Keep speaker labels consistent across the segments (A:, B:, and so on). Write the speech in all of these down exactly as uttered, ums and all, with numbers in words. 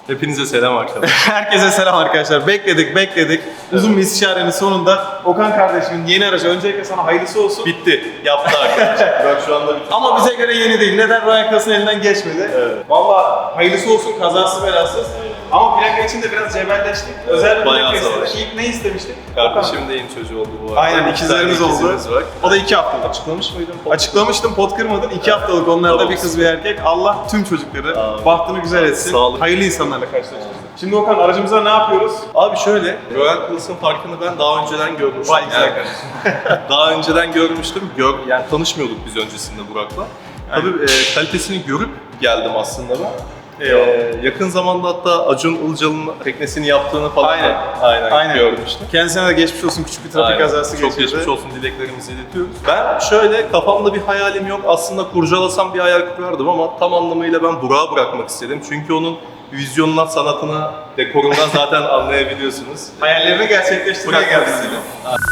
A: Hepinize selam arkadaşlar.
B: Herkese selam arkadaşlar. Bekledik, bekledik. Uzun bir istişarenin sonunda Okan kardeşimin yeni aracı. Öncelikle sana hayırlısı olsun.
A: Bitti. Yaptı arkadaşlar. Bak şu anda bitti.
B: Ama bize göre yeni değil. Neden? Royal Class'ın elinden geçmedi.
A: Evet.
B: Valla hayırlısı olsun, kazası belasız. Ama plaka için de biraz cebelleştik. Özel bir
A: Bayağı
B: plaka
A: savaş.
B: istedik. İlk ne istemiştik?
A: Kardeşim de yeni çocuğu oldu bu arada.
B: Aynen,
A: İki
B: ikizlerimiz
A: tane
B: oldu.
A: ikizimiz var.
B: O da iki haftalık.
A: Açıklamış mıydın?
B: Açıklamıştım, pot kırmadın. İki haftalık onlarda
A: Tamam.
B: bir kız bir erkek. Allah tüm çocukları
A: Amin.
B: bahtını güzel etsin.
A: Sağlık.
B: Hayırlı insanlarla karşılaştırsın. Şimdi Okan, aracımıza ne yapıyoruz?
A: Abi şöyle, Royal Class'ın farkını ben daha önceden görmüştüm.
B: Vay güzel
A: Yani
B: kardeşim.
A: daha önceden görmüştüm. Gör, yani tanışmıyorduk biz öncesinde Burak'la. Tabii e, kalitesini görüp geldim aslında ben. Ee, yakın zamanda hatta Acun Ilıcalı'nın teknesini yaptığını falan
B: Aynen.
A: da aynen,
B: Aynen.
A: görmüştüm.
B: Kendisine de geçmiş olsun, küçük bir trafik
A: Aynen.
B: kazası
A: Çok
B: geçirdi.
A: geçmiş olsun dileklerimizi iletiyoruz. Ben şöyle kafamda bir hayalim yok. Aslında kurcalasam bir hayal kurardım ama tam anlamıyla ben Burak'a bırakmak istedim. Çünkü onun vizyonuna, sanatına, dekorundan zaten anlayabiliyorsunuz.
B: Hayallerini gerçekleştirmeye
A: Bırakmak
B: geldi.
A: istedim.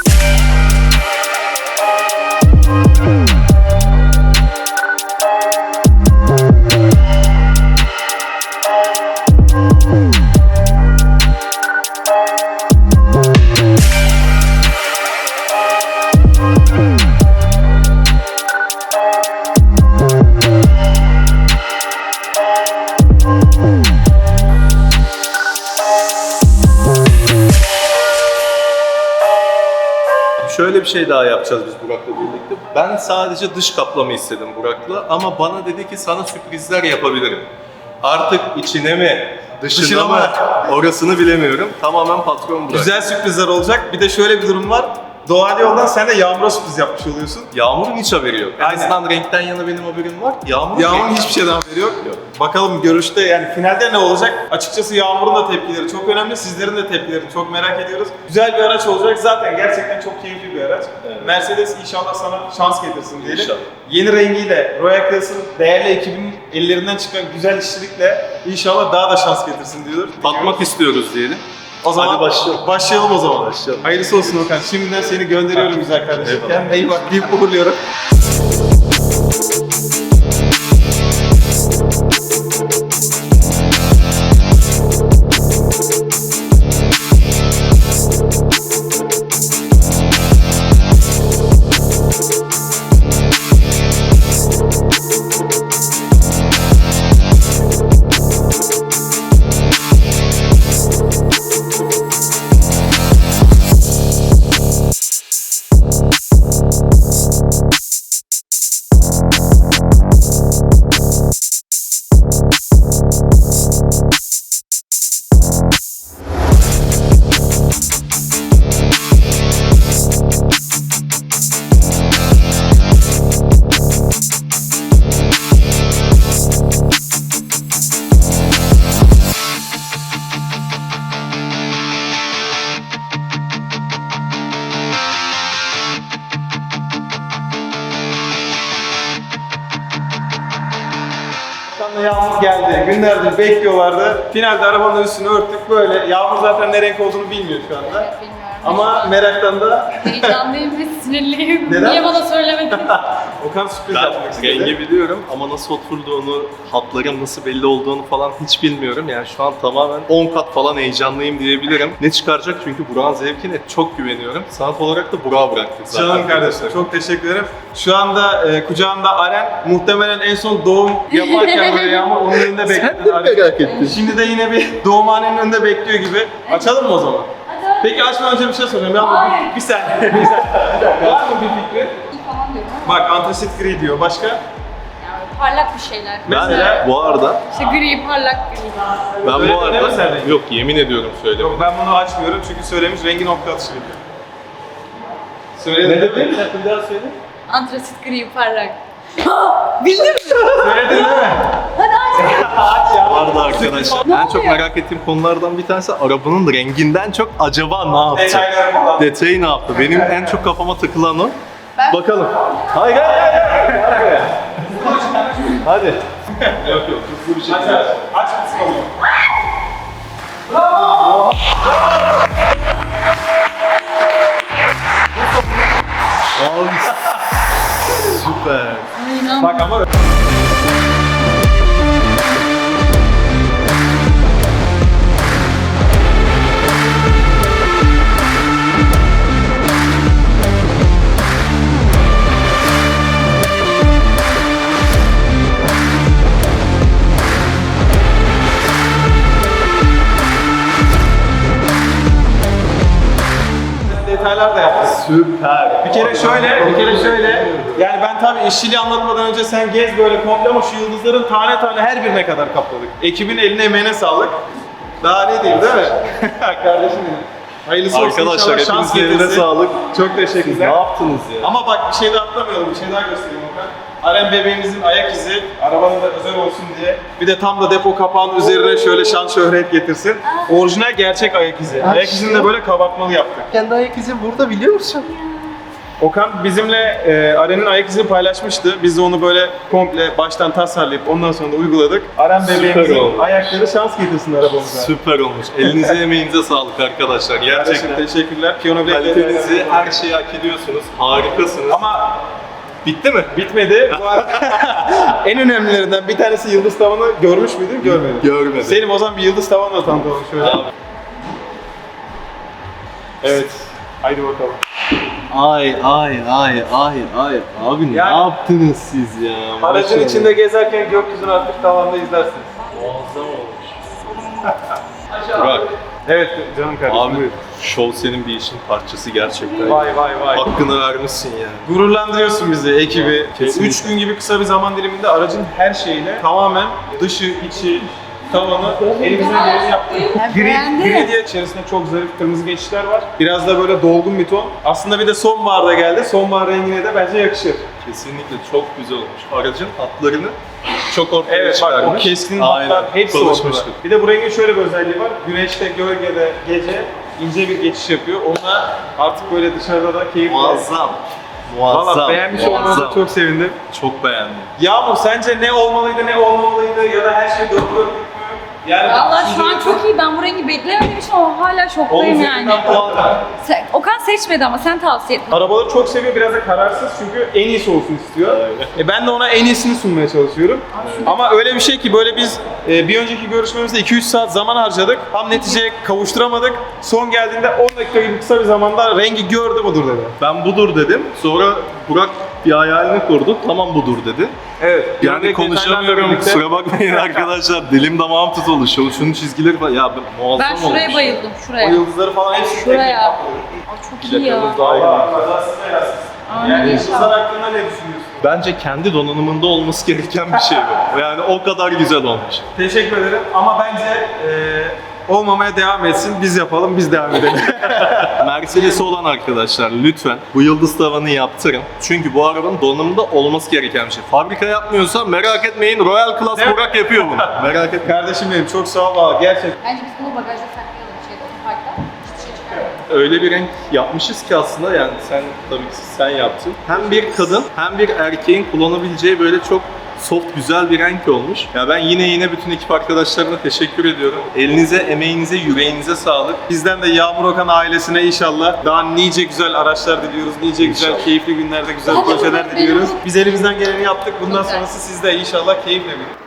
A: Şöyle bir şey daha yapacağız biz Burak'la birlikte. Ben sadece dış kaplama istedim Burak'la ama bana dedi ki sana sürprizler yapabilirim. Artık içine mi, dışına,
B: Dışına
A: mı,
B: mı?
A: orasını bilemiyorum. Tamamen patron Burak.
B: Güzel sürprizler olacak. Bir de şöyle bir durum var. Doğal yoldan sen de Yağmur'a sürpriz yapmış oluyorsun.
A: Yağmur'un hiç haberi yok. En
B: Aynen.
A: azından renkten yana benim haberim var. Yağmur'un
B: Yağmur'un
A: renkten-
B: hiçbir şeyden haberi yok.
A: Yok.
B: Bakalım görüşte, yani finalde ne olacak? Açıkçası Yağmur'un da tepkileri çok önemli. Sizlerin de tepkilerini çok merak ediyoruz. Güzel bir araç olacak. Zaten gerçekten çok keyifli bir araç.
A: Evet.
B: Mercedes inşallah sana şans getirsin diyelim.
A: İnşallah.
B: Yeni rengiyle, Royal Class'ın değerli ekibinin ellerinden çıkan güzel işçilikle inşallah daha da şans getirsin diyoruz.
A: Tatmak istiyoruz diyelim.
B: O zaman
A: Hadi başlayalım.
B: başlayalım o zaman.
A: Başlayalım.
B: Hayırlısı olsun Okan. Şimdiden seni gönderiyorum güzel kardeşim.
A: Eyvallah.
B: Kendine iyi bak deyip uğurluyorum. Sonra Yağmur geldi. Günlerdir bekliyorlardı. Finalde arabanın üstünü örttük böyle. Yağmur zaten ne renk olduğunu bilmiyor şu anda.
C: Evet, bilmiyorum.
B: Ama meraktan da
C: Heyecanlıyım ve sinirliyim.
B: Neden?
C: Niye bana söylemedin?
B: Okan sürpriz yapmak
A: Ben
B: istedi.
A: rengi biliyorum ama nasıl oturduğunu, hatların nasıl belli olduğunu falan hiç bilmiyorum. Yani şu an tamamen on kat falan heyecanlıyım diyebilirim. Ne çıkaracak çünkü Burak'ın zevkine çok güveniyorum. Sanat olarak da Burak'a bıraktık zaten.
B: Canım kardeşim, çok teşekkür ederim. Şu anda e, kucağında Aren, muhtemelen en son doğum yaparken böyle Yağmur onun önünde bekliyor.
A: Sen de merak ettin.
B: Şimdi de yine bir doğumhanenin önünde bekliyor gibi. Açalım mı o zaman?
C: Hadi.
B: Peki açmadan önce bir şey soracağım. Yağmur bir, bir saniye, bir saniye. Var mı bir fikri?
C: İyi falan diyorum ama
B: Bak antrasit gri diyor. Başka?
C: yani parlak bir şeyler.
B: Mesela-
A: Ben bu arada,
C: İşte gri, parlak gri.
A: ben bu
B: Öyle deme sen
A: arada,
B: de.
A: yok yemin ediyorum söylemedim.
B: Yok, ben bunu açmıyorum çünkü söylemiş rengi nokta atışı gibi. Söyledin
A: Ne
B: değil
A: dedin?
B: mi?
A: Bir daha söyle.
C: Antrasit gri, parlak. Bildin mi?
B: Söyledin değil mi?
C: Hadi aç.
B: Aç ya.
A: Vardı arkadaşlar.
C: Ne
A: En çok
C: oluyor?
A: merak ettiğim konulardan bir tanesi arabanın renginden çok acaba ne yaptı?
B: Detayları falan.
A: Detayı ne yaptı? Benim en çok kafama takılan o.
C: Ben-
A: Bakalım. Hayır hayır hayır. Gel buraya. Hadi. Yok yok hızlı bir
B: Aç
A: şekilde.
B: aç. Aç mısın onu?
A: Abi. Süper.
C: İnan.
B: Bak ama detaylar da yaptık.
A: Süper.
B: Bir kere şöyle, bir kere şöyle. Yani ben tabii işçiliği anlatmadan önce sen gez böyle komple ama şu yıldızların tane tane her birine kadar kapladık. Ekibin eline emeğine sağlık. Daha ne diyeyim değil mi? Kardeşim benim. Hayırlısı olsun
A: Arkadaşlar
B: inşallah, şans
A: hepinizin eline
B: getirsin.
A: sağlık.
B: Çok
A: Siz ne
B: teşekkürler.
A: yaptınız ya?
B: Ama bak bir şey daha atlamayalım, bir şey daha göstereyim Okan. Aren bebeğimizin ayak izi, arabanın da özel olsun diye. Bir de tam da depo kapağının üzerine şöyle şan şöhret getirsin. Orijinal gerçek ayak izi. Ayak izini de böyle kabartmalı yaptık.
A: Kendi ayak izim burada biliyor musun?
B: Okan bizimle e, Aren'in ayak izini paylaşmıştı. Biz de onu böyle komple baştan tasarlayıp ondan sonra da uyguladık. Aren
A: Süper
B: bebeğimizin
A: oldu.
B: ayakları şans getirsin arabamıza.
A: Süper olmuş. Elinize emeğinize sağlık arkadaşlar.
B: Gerçekten
A: Gerçekten
B: teşekkürler. Piyano
A: kalitenizi,
B: bilekleri.
A: her şeyi hak ediyorsunuz. Harikasınız.
B: Ama
A: bitti mi?
B: bitmedi. Bu arada en önemlilerinden bir tanesi yıldız tavanı görmüş müydün? Görmedim.
A: Görmedim.
B: Selim o zaman bir yıldız tavanla tanıtalım şöyle.
A: Abi.
B: Evet. Haydi bakalım.
A: Ay ay ay ay ay. Abi ne
B: Yani-
A: yaptınız siz ya?
B: Aracın
A: Maşallah.
B: içinde gezerken gökyüzünü artık tavanda izlersiniz.
A: Muazzam olmuş. Burak,
B: Evet canım kardeşim.
A: abi
B: buyur.
A: şov senin bir işin parçası gerçekten.
B: Vay vay vay.
A: Hakkını vermişsin yani.
B: Gururlandırıyorsun bizi, ekibi.
A: Kesinlikle.
B: üç gün gibi kısa bir zaman diliminde aracın her şeyine tamamen dışı, içi, tavanı elimizden geleni yaptık.
C: Ben
B: Gri,
C: beğendim.
B: gri diye içerisinde çok zarif kırmızı geçişler var. Biraz da böyle dolgun bir ton. Aslında bir de sonbaharda geldi. Sonbahar rengine de bence yakışır.
A: Kesinlikle çok güzel olmuş. Aracın hatlarını çok ortaya
B: Evet bak o
A: çıkarmış.
B: keskin
A: Aynen,
B: hatlar hepsi ortada.
A: konuşmuştuk.
B: Bir de bu rengin şöyle bir özelliği var. Güneşte, gölgede, gece ince bir geçiş yapıyor. Onunla artık böyle dışarıda da keyifli.
A: Muazzam. Muazzam.
B: Valla beğenmiş olmanıza
A: muazzam.
B: çok sevindim.
A: Çok beğendim.
B: Yağmur sence ne olmalıydı ne olmamalıydı ya da her şey dört dörtlük mü? Yani
C: Valla şu an
B: sizce-
C: çok iyi. Ben bu rengi beklemedim için ama hala
B: On
C: şoktayım yani.
B: üzerinden puan ver.
C: Sen, Okan seçmedi ama sen tavsiye ettin.
B: Arabaları çok seviyor, biraz da kararsız çünkü en iyisi olsun istiyor.
A: Aynen.
B: E ben de ona en iyisini sunmaya çalışıyorum. Ama öyle bir şey ki böyle biz e, bir önceki görüşmemizde iki üç saat zaman harcadık. Tam neticeye kavuşturamadık. Son geldiğinde on dakika gibi kısa bir zamanda rengi gördü budur dedi.
A: Ben budur dedim. Sonra Burak bir hayalini kurdu. Tamam budur dedi.
B: Evet.
A: Yani konuşamıyorum. Kusura bakmayın arkadaşlar. Dilim damağım tutuldu. Şu, şunun çizgileri falan. Ya ben muazzam
C: Ben şuraya
A: olmuş.
C: bayıldım.
B: O
C: Şuraya.
B: yıldızları falan hepsi
C: Şuraya. Aa, çok iyi ya.
A: Plakımız daha iyi.
B: Allah kazasız belasız.
C: Amin
B: Yani
C: inşallah.
B: yıldızlar hakkında ne düşünüyorsun?
A: Bence kendi donanımında olması gereken bir şey bu. Yani o kadar güzel olmuş.
B: Teşekkür ederim ama bence e, olmamaya devam etsin. Biz yapalım, biz devam edelim.
A: Mercedes'i olan arkadaşlar lütfen bu yıldız tavanı yaptırın. Çünkü bu arabanın donanımında olması gereken bir şey. Fabrika yapmıyorsa merak etmeyin, Royal Class
B: Evet.
A: Burak yapıyor bunu. Merak etmeyin.
B: Kardeşim benim çok sağ ol valla gerçekten.
C: Bence biz bunu bagajda saklayalım şeyde, otoparkta. Hiçbir şey çıkarmayalım.
A: Öyle bir renk yapmışız ki aslında yani sen tabii ki sen yaptın. Hem bir kadın hem bir erkeğin kullanabileceği böyle çok soft güzel bir renk olmuş. Ya ben yine yine bütün ekip arkadaşlarına teşekkür ediyorum. Elinize, emeğinize, yüreğinize sağlık.
B: Bizden de Yağmur Okan ailesine inşallah daha nice güzel araçlar diliyoruz. Nice güzel,
A: İnşallah.
B: keyifli günlerde güzel
C: Hadi
B: projeler
C: bakalım,
B: diliyoruz.
C: benim-
B: Biz elimizden geleni yaptık. Bundan
C: Güzel.
B: sonrası sizde inşallah keyifle bir.